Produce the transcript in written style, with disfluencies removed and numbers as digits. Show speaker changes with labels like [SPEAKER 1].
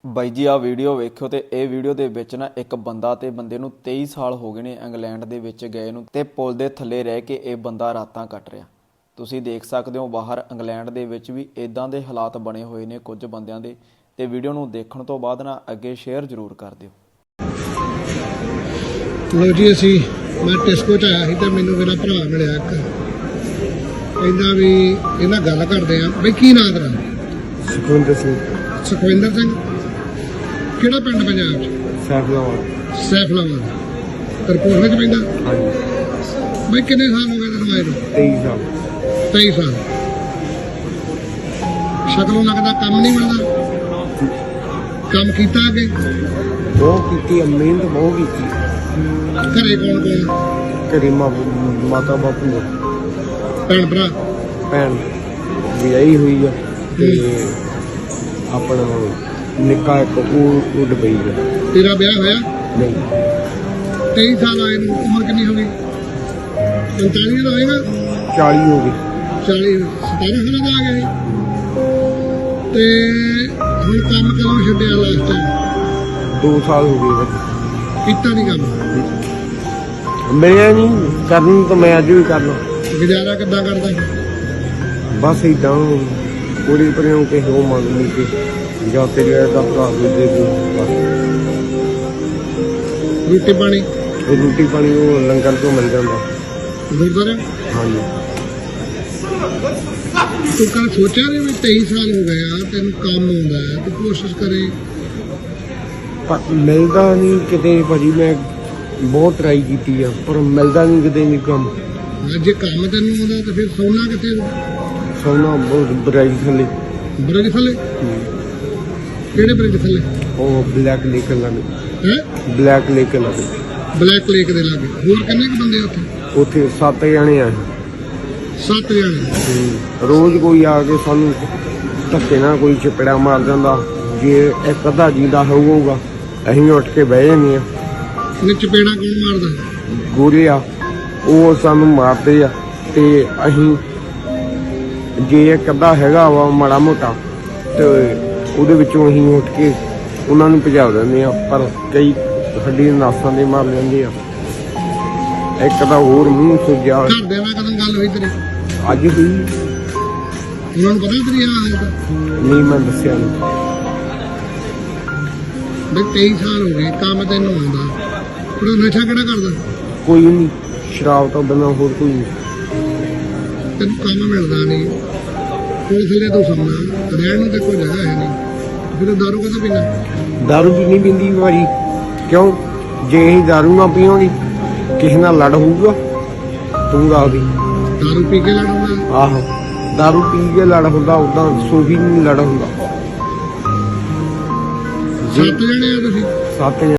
[SPEAKER 1] ਬਾਈ ਜੀ ਆ ਵੀਡੀਓ ਵੇਖਿਓ ਤੇ ਇਹ ਵੀਡੀਓ ਦੇ ਵਿੱਚ ਨਾ ਇੱਕ ਬੰਦਾ ਤੇ ਬੰਦੇ ਨੂੰ 23 ਸਾਲ ਹੋ ਗਏ ਨੇ ਇੰਗਲੈਂਡ ਦੇ ਵਿੱਚ ਗਏ ਨੂੰ ਤੇ ਪੁਲ ਦੇ ਥੱਲੇ ਰਹਿ ਕੇ ਇਹ ਬੰਦਾ ਰਾਤਾਂ ਕੱਟ ਰਿਹਾ। ਤੁਸੀਂ ਦੇਖ ਸਕਦੇ ਹੋ ਬਾਹਰ ਇੰਗਲੈਂਡ ਦੇ ਵਿੱਚ ਵੀ ਇਦਾਂ ਦੇ ਹਾਲਾਤ ਬਣੇ ਹੋਏ ਨੇ ਕੁਝ ਬੰਦਿਆਂ ਦੇ। ਤੇ ਵੀਡੀਓ ਨੂੰ ਦੇਖਣ ਤੋਂ ਬਾਅਦ ਨਾ ਅੱਗੇ ਸ਼ੇਅਰ ਜ਼ਰੂਰ ਕਰ ਦਿਓ।
[SPEAKER 2] ਲੋ ਜੀ ਅਸੀਂ ਮੈਂ ਟਿਸਕੋ ਚ ਆਇਆ ਸੀ ਤੇ ਮੈਨੂੰ ਮੇਰਾ ਭਰਾ ਮਿਲਿਆ ਇੱਕ ਕਹਿੰਦਾ ਵੀ ਇਹਨਾਂ ਗੱਲ ਕਰਦੇ ਆ ਬਈ ਕੀ ਨਾਂ ਤੇਰਾ?
[SPEAKER 3] ਸੁਖਵਿੰਦਰ ਸਿੰਘ।
[SPEAKER 2] ਸੁਖਵਿੰਦਰ ਸਿੰਘ ਕਿਹੜਾ ਪਿੰਡ ਪੰਜਾਬ ਚ? ਸੈਫਲਾਬਾਦ ਤਰਪੋਰ ਵਿੱਚ ਪੈਂਦਾ।
[SPEAKER 3] ਹਾਂਜੀ।
[SPEAKER 2] ਬਈ ਕਿੰਨੇ ਸਾਲ ਹੋ ਗਏ ਤੈਨੂੰ ਆਏ ਨੂੰ?
[SPEAKER 3] 23 ਸਾਲ।
[SPEAKER 2] 23 ਸਾਲ। ਸ਼ਕਲੋਂ ਲੱਗਦਾ ਕੰਮ ਨਹੀਂ ਮਿਲਦਾ। ਕੰਮ ਕੀਤਾ ਅੱਗੇ?
[SPEAKER 3] ਬਹੁਤ ਕੀਤੀ, ਮਿਹਨਤ ਬਹੁਤ ਕੀਤੀ।
[SPEAKER 2] ਘਰੇ ਕੌਣ ਕੌਣ?
[SPEAKER 3] ਘਰੇ ਮਾਤਾ ਬਾਪੂ ਦਾ
[SPEAKER 2] ਭੈਣ ਭਰਾ?
[SPEAKER 3] ਭੈਣ ਵਿਆਹੀ ਹੋਈ ਆ ਤੇ ਆਪਣਾ ਨਿੱਕਾ ਇੱਕ ਉਹ ਡੁਬਈ ਆ।
[SPEAKER 2] ਤੇਰਾ ਵਿਆਹ ਹੋਇਆ?
[SPEAKER 3] ਨਹੀਂ।
[SPEAKER 2] 23 ਸਾਲ ਆਏ ਨੂੰ ਉਮਰ ਕਿੰਨੀ ਹੋ ਗਈ? 45 ਦਾ ਹੋਏਗਾ?
[SPEAKER 3] 40 ਹੋ ਗਏ।
[SPEAKER 2] 40 17 ਸਾਲਾਂ ਦਾ ਆ ਗਿਆ ਸੀ। ਤੇ ਹੁਣ ਕੰਮ ਕਦੋਂ ਛੱਡਿਆ ਲਾਸਟ ਟਾਈਮ?
[SPEAKER 3] 2 ਸਾਲ ਹੋ ਗਏ ਬਸ।
[SPEAKER 2] ਕੀਤਾ ਨਹੀਂ ਕੰਮ?
[SPEAKER 3] ਮਿਲਿਆ ਨਹੀਂ ਕਰਨ ਤਾਂ ਮੈਂ ਅੱਜ ਵੀ ਕਰ ਲਾਂ।
[SPEAKER 2] ਗੁਜ਼ਾਰਾ ਕਿੱਦਾਂ ਕਰਦਾ?
[SPEAKER 3] ਬਸ ਇਦਾਂ ਪੂਰੀ ਪਰਿਓ ਕੇ ਹੋ ਮੰਗ ਲਈ ਕਿ ਜਾਂ ਤੇਰੇ ਦਾ ਭਰਾ ਦੇ ਦੇ ਬਸ।
[SPEAKER 2] ਰੋਟੀ ਪਾਣੀ?
[SPEAKER 3] ਰੋਟੀ ਪਾਣੀ ਉਹ ਲੰਗਰ ਤੋਂ ਮਿਲ ਜਾਂਦਾ।
[SPEAKER 2] ਗੁਰਦੁਆਰਾ?
[SPEAKER 3] ਹਾਂਜੀ।
[SPEAKER 2] ਤੂੰ ਕੱਲ ਸੋਚਿਆ ਨਹੀਂ ਵੀ 23 ਸਾਲ ਹੋ ਗਏ ਆ ਤੈਨੂੰ ਕੰਮ ਆਉਂਦਾ ਹੈ ਤੂੰ ਕੋਸ਼ਿਸ਼ ਕਰੇ?
[SPEAKER 3] ਪਰ ਮਿਲਦਾ ਨਹੀਂ ਕਿਤੇ ਭਾਜੀ। ਮੈਂ ਬਹੁਤ ਟਰਾਈ ਕੀਤੀ ਆ ਪਰ ਮਿਲਦਾ ਨਹੀਂ ਕਿਤੇ ਨਹੀਂ ਕੰਮ।
[SPEAKER 2] ਜੇ ਕੰਮ ਤੈਨੂੰ ਆਉਂਦਾ ਤਾਂ ਫਿਰ ਸੌਣਾ ਕਿੱਥੇ?
[SPEAKER 3] ਸੋਨਾ ਬਹੁਤ ਬਰਾਈ ਥੱਲੇ।
[SPEAKER 2] ਬ੍ਰਿਜ ਥੱਲੇ? ਕਿਹੜੇ ਬ੍ਰਿਜ ਥੱਲੇ?
[SPEAKER 3] ਉਹ ਬਲੈਕ ਲੇਕ ਲਾਗੇ।
[SPEAKER 2] ਹੈ
[SPEAKER 3] ਬਲੈਕ ਲੇਕ ਲਾਗੇ।
[SPEAKER 2] ਬਲੈਕ ਲੇਕ ਦੇ ਲਾਗੇ। ਹੋਰ ਕਿੰਨੇ ਕੁ ਬੰਦੇ ਉੱਥੇ?
[SPEAKER 3] ਉੱਥੇ 7 ਜਣੇ ਆ।
[SPEAKER 2] 7 ਜਣੇ।
[SPEAKER 3] ਰੋਜ਼ ਕੋਈ ਆ ਕੇ ਸਾਨੂੰ ਧੱਕੇ ਨਾਲ ਕੋਈ ਚਪੜਾ ਮਾਰ ਜਾਂਦਾ। ਜੇ ਇੱਕ ਅੱਧਾ ਜਿੰਦਾ ਹੋਊਗਾ ਅਸੀਂ ਉੱਠ ਕੇ ਬਹਿ ਜਾਂਦੇ ਆ।
[SPEAKER 2] ਨੇ ਚਪੇੜਾ ਕੌਣ ਮਾਰਦਾ?
[SPEAKER 3] ਗੋਰੇ ਆ ਉਹ ਸਾਨੂੰ ਮਾਰਦੇ ਆ ਤੇ ਅਸੀਂ ਜੇ ਇੱਕ ਅੱਧਾ ਹੈਗਾ ਵਾ ਮਾੜਾ ਮੋਟਾ ਤੇ ਉਹਦੇ ਵਿੱਚੋਂ ਅਸੀਂ ਉੱਠ ਕੇ ਉਹਨਾਂ ਨੂੰ ਭਜਾ ਦਿੰਦੇ ਆ। ਪਰ ਕਈ ਸਾਡੀ ਨਾਸਾਂ ਦੇ ਮਾਰ ਲੈਂਦੇ ਆ। ਇੱਕ ਤਾਂ ਹੋਰ ਮੂੰਹ ਸੁੱਜਿਆ।
[SPEAKER 2] ਘਰਦਿਆਂ ਨਾਲ ਕਦੋਂ ਗੱਲ ਹੋਈ ਤੇਰੀ?
[SPEAKER 3] ਅੱਜ ਵੀ
[SPEAKER 2] ਉਹਨਾਂ ਨੂੰ ਪਤਾ ਤੇਰੀ ਹਾਲ ਦਾ?
[SPEAKER 3] ਨਹੀਂ ਮੈਂ ਦੱਸਿਆ ਨਹੀਂ।
[SPEAKER 2] ਬਈ 23 ਸਾਲ ਹੋ ਗਏ ਕੰਮ ਤੈਨੂੰ ਆਉਂਦਾ। ਉਹ ਨਸ਼ਾ ਕਿਹੜਾ ਕਰਦਾ?
[SPEAKER 3] ਕੋਈ ਨਹੀਂ। ਸ਼ਰਾਬ ਤੋਂ ਬਿਨਾਂ ਹੋਰ ਕੋਈ ਨਹੀਂ।
[SPEAKER 2] ਤੈਨੂੰ ਕੰਮ ਮਿਲਦਾ ਨਹੀਂ। ਕੋਲ ਥੱਲੇ ਤੂੰ ਸੌਣਾ ਰਹਿਣ ਨੂੰ ਤੇ ਕੋਈ ਜਗ੍ਹਾ ਹੈ ਨਹੀਂ। ਫਿਰ ਦਾਰੂ ਕਦੋਂ ਪੀਣਾ?
[SPEAKER 3] ਦਾਰੂ ਵੀ ਨਹੀਂ ਪੀਂਦੀ ਭਾਜੀ। ਕਿਉਂ? ਜੇ ਅਸੀਂ ਦਾਰੂ ਨਾ ਪੀਵਾਂਗੇ ਕਿਸੇ ਨਾਲ ਲੜ ਹੋਊਗਾ? ਤੂੰ ਦੱਸ ਦੀ।
[SPEAKER 2] ਦਾਰੂ ਪੀ ਕੇ ਲੜੂਗਾ?
[SPEAKER 3] ਆਹੋ ਦਾਰੂ ਪੀ ਕੇ ਲੜ ਹੁੰਦਾ। ਉਦਾਂ ਸੋਫੀ ਨਹੀਂ ਲੜ ਹੁੰਦਾ।
[SPEAKER 2] 7 ਜਣੇ ਆ ਤੁਸੀਂ?
[SPEAKER 3] 7